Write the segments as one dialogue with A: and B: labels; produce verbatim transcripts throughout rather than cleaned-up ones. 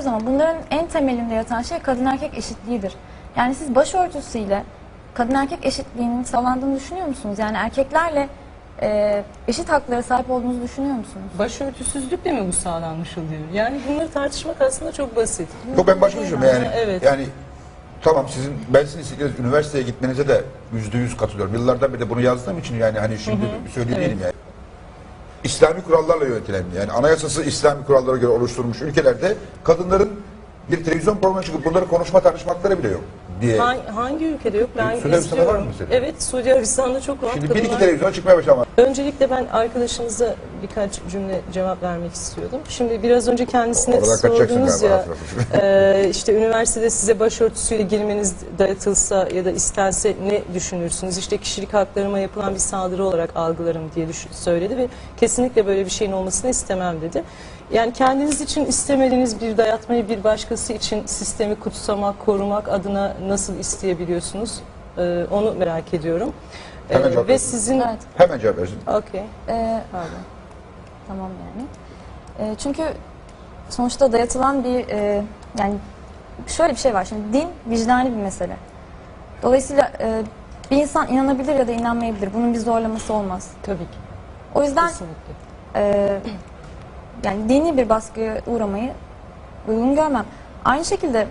A: diyoruz ama bunların en temelinde yatan şey kadın erkek eşitliğidir. Yani siz başörtüsüyle kadın erkek eşitliğinin sağlandığını düşünüyor musunuz? Yani erkeklerle e, eşit haklara sahip olduğunuzu düşünüyor musunuz?
B: Başörtüsüzlükle mi bu sağlanmış oluyor? Yani bunları tartışmak aslında çok basit.
C: Yok, ben başka bir şey yani.
B: Evet.
C: Yani tamam, sizin ben sizin istediğiniz üniversiteye gitmenize de yüzde yüz katılıyorum. Yıllardan beri de bunu yazdığım için yani hani şimdi söyleyebilirim
B: Evet.
C: yani. İslami kurallarla yönetilen, yani anayasası İslami kurallara göre oluşturulmuş ülkelerde kadınların bir televizyon programına çıkıp bunları konuşma tartışmakları bile yok diye.
B: Hangi, hangi ülkede yok? Ben
C: Suudi Arabistan'da var
B: istiyorum.
C: mı mesela?
B: Evet, Suudi Arabistan'da çok rahat.
C: Şimdi bir iki
B: kadınlar-
C: televizyona çıkmaya başlamak.
B: Öncelikle ben arkadaşınıza birkaç cümle cevap vermek istiyordum. Şimdi biraz önce kendisine
C: Oradan kaçacaksın
B: sordunuz
C: galiba,
B: ya, e, işte üniversitede size başörtüsüyle girmeniz dayatılsa ya da istense ne düşünürsünüz? İşte kişilik haklarıma yapılan bir saldırı olarak algılarım diye düşün, söyledi ve kesinlikle böyle bir şeyin olmasını istemem dedi. Yani kendiniz için istemediğiniz bir dayatmayı bir başkası için sistemi kutsamak, korumak adına nasıl isteyebiliyorsunuz? E, onu merak ediyorum.
C: Hemen
B: E,
C: cevap
B: ve
C: versin.
B: sizin...
A: Evet.
C: Hemen cevap versin.
B: Okey.
A: E,
B: Pardon.
A: Tamam yani. E, çünkü sonuçta dayatılan bir e, yani şöyle bir şey var. Şimdi din vicdani bir mesele. Dolayısıyla e, bir insan inanabilir ya da inanmayabilir. Bunun bir zorlaması olmaz.
B: Tabii ki.
A: O yüzden
B: Kesinlikle.
A: e, yani dini bir baskıya uğramayı uygun görmem. Aynı şekilde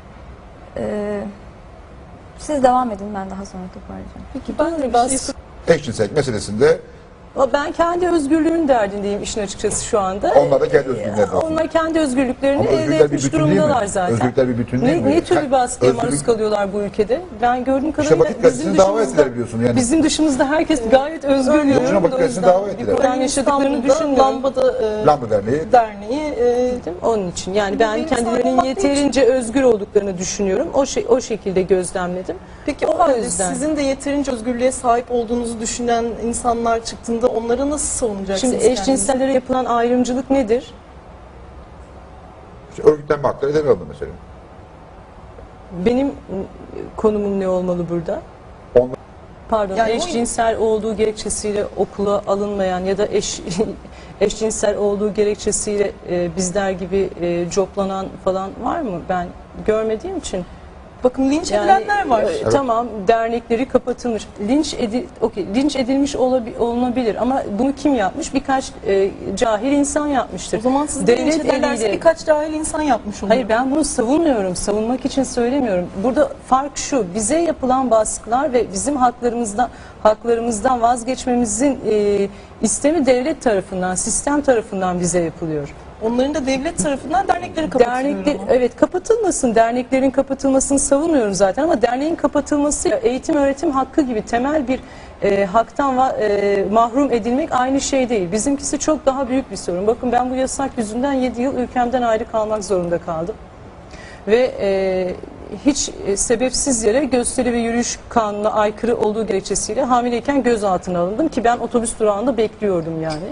A: e, siz devam edin, ben daha sonra toparlayacağım.
B: Peki ben de baskı...
C: Eşcinsellik meselesinde
B: Ben kendi özgürlüğümün derdindeyim işin açıkçası şu anda.
C: onlar da kendi özgürlükleri var.
B: Onlar kendi özgürlüklerini
C: Ama
B: elde
C: özgürlükler bir
B: etmiş
C: bütün değil mi?
B: durumdalar zaten.
C: Özgürlükler bir bütün değil
B: ne,
C: mi?
B: ne tür bir baskıya
C: Özgürlük-
B: maruz kalıyorlar bu ülkede? Ben gördüğüm kadarıyla
C: Batık
B: bizim
C: gazetesini dava
B: dışımızda,
C: ettiler biliyorsun yani.
B: bizim dışımızda herkes gayet özgür
C: Yok
B: diyorum.
C: canım, Batık
B: O
C: gazetesini
B: yüzden
C: dava
B: bir
C: ettiler.
B: problem yaşadıklarını
D: İstanbul'da
B: düşünmüyorum.
D: Lambada e,
C: Lambda Derneği
D: Derneği e,
B: Değil mi? Onun için yani ben
D: Benim
B: kendilerinin
D: sanatım
B: yeterince özgür olduklarını düşünüyorum. O şey o şekilde gözlemledim.
D: peki o
B: O
D: halde
B: yüzden.
D: sizin de yeterince özgürlüğe sahip olduğunuzu düşünen insanlar çıktığında onları nasıl savunacaksınız?
B: Şimdi
D: kendinizi?
B: eşcinsellere yapılan ayrımcılık nedir?
C: işte örgütlenme hakları ele alındı mesela.
B: Benim ı, konumum ne olmalı burada?
C: Onlar
B: Pardon,
D: Yani o-
B: eşcinsel olduğu gerekçesiyle okula alınmayan ya da eş eşcinsel olduğu gerekçesiyle e, bizler gibi e, coplanan falan var mı? Ben görmediğim için.
D: Bakın linç edilenler var.
B: e, Tamam, dernekleri kapatılmış. Linç edi, okey, linç edilmiş olabi, olunabilir ama bunu kim yapmış? Birkaç e, cahil insan yapmıştır.
D: O zaman siz de linç
B: Devlet
D: ederlerse
B: eliyle-
D: birkaç cahil insan yapmış olur.
B: Hayır, ben bunu savunmuyorum. Savunmak için söylemiyorum. Burada fark şu. Bize yapılan baskılar ve bizim haklarımızdan haklarımızdan vazgeçmemizin e, istemi devlet tarafından, sistem tarafından bize yapılıyor.
D: Onların da devlet tarafından dernekleri kapatılıyor.
B: Dernekler,
D: ama.
B: evet, kapatılmasın. Derneklerin kapatılmasını savunmuyorum zaten ama derneğin kapatılması eğitim öğretim hakkı gibi temel bir e, haktan va- e, mahrum edilmek aynı şey değil. Bizimkisi çok daha büyük bir sorun. Bakın ben bu yasak yüzünden yedi yıl ülkemden ayrı kalmak zorunda kaldım. Ve e, hiç e, sebepsiz yere gösteri ve yürüyüş kanununa aykırı olduğu gerekçesiyle hamileyken gözaltına alındım ki ben otobüs durağında bekliyordum yani.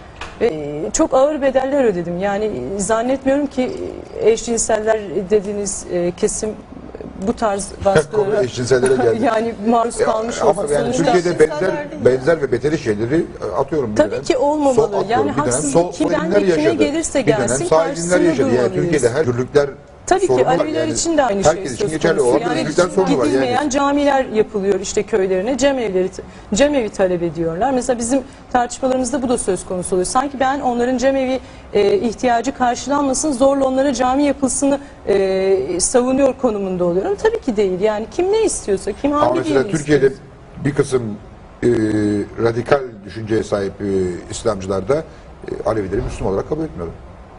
B: Ve çok ağır bedeller ödedim. Yani zannetmiyorum ki eşcinseller dediğiniz e, kesim bu tarz
C: konu
B: baskılara
C: eşcinsellere geldi.
B: yani maruz
C: Ya,
B: kalmış
C: ama
B: olsa
C: yani
B: sonuçta
C: Türkiye'de
D: eşcinseller
C: benzer
D: değil
C: benzer ve beteri şeyleri e, atıyorum bir
B: tabii
C: dönem.
B: ki olmamalı.
C: Sol atıyorum,
B: Yani
C: bir dönem
B: haksızlık
C: sol
B: kimden
C: elinler
B: ve kime
C: yaşadı.
B: gelirse
C: Bir dönem
B: gelsin
C: sağ elinler
B: karşısında
C: yaşadı. Yani
B: durmalıyız.
C: Türkiye'de her türlükler
B: Tabii ki
C: sorunu var.
B: Aleviler
C: Yani
B: için de aynı şey
C: herkes için
B: söz
C: geçerli
B: konusu.
C: olan
B: Yani
C: özgürlükler sorunu var.
B: gidilmeyen
C: Yani
B: camiler yapılıyor işte köylerine, cemevleri, cemevi talep ediyorlar. Mesela bizim tartışmalarımızda bu da söz konusu oluyor. Sanki ben onların cemevi e, ihtiyacı karşılanmasın, zorla onlara cami yapılsını e, savunuyor konumunda oluyorum. Tabii ki değil. Yani kim ne istiyorsa, kim
C: ama
B: hangi
C: mesela
B: dini
C: Türkiye'de
B: istiyorsa.
C: bir kısım e, radikal düşünceye sahip e, İslamcılar da e, Alevileri Müslüman olarak kabul etmiyor.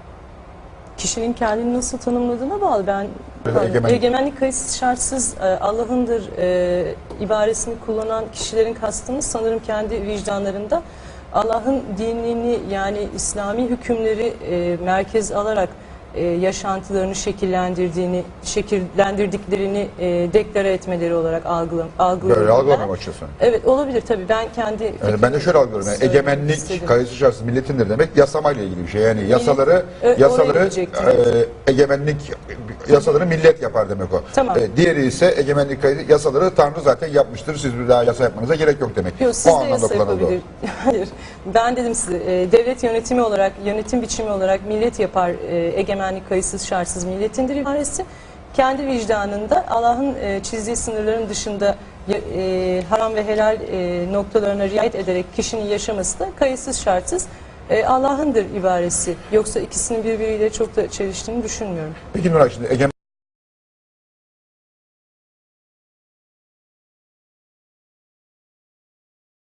B: Kişinin kendini nasıl tanımladığına bağlı. Ben
C: Mesela
B: pardon,
C: egemenlik-
B: egemenlik kayıtsız şartsız e, Allah'ındır e, ibaresini kullanan kişilerin kastını sanırım kendi vicdanlarında Allah'ın dinini yani İslami hükümleri e, merkez alarak e, yaşantılarını şekillendirdiğini, şekillendirdiklerini e, deklare etmeleri olarak algılam, algılıyorum.
C: Böyle
B: ben.
C: algılamam açıkçası.
B: Evet, olabilir tabii. Ben kendi
C: Yani ben de şöyle algılıyorum. Yani
B: söylemek
C: egemenlik,
B: istedim.
C: kayıtsız şartsız milletindir demek yasamayla ilgili bir şey. Yani yasaları
B: Ö- oraya
C: yasaları
B: gidecektim.
C: e, egemenlik yasaları millet yapar demek o.
B: Tamam.
C: E, diğeri ise egemenlik kaydı yasaları Tanrı zaten yapmıştır. Siz bir daha yasa yapmanıza gerek yok demek.
B: Yok,
C: o
B: siz de
C: anlamda
B: yasa
C: kullanıldı o.
B: yapabilir. Hayır. Ben dedim size e, devlet yönetimi olarak, yönetim biçimi olarak millet yapar, e, egemen egemenlik kayıtsız şartsız milletindir ibaresi. Kendi vicdanında Allah'ın e, çizdiği sınırların dışında e, haram ve helal e, noktalarına riayet ederek kişinin yaşaması da kayıtsız şartsız e, Allah'ındır ibaresi. Yoksa ikisinin birbiriyle çok da çeliştiğini düşünmüyorum.
C: Peki Nuray, şimdi egemen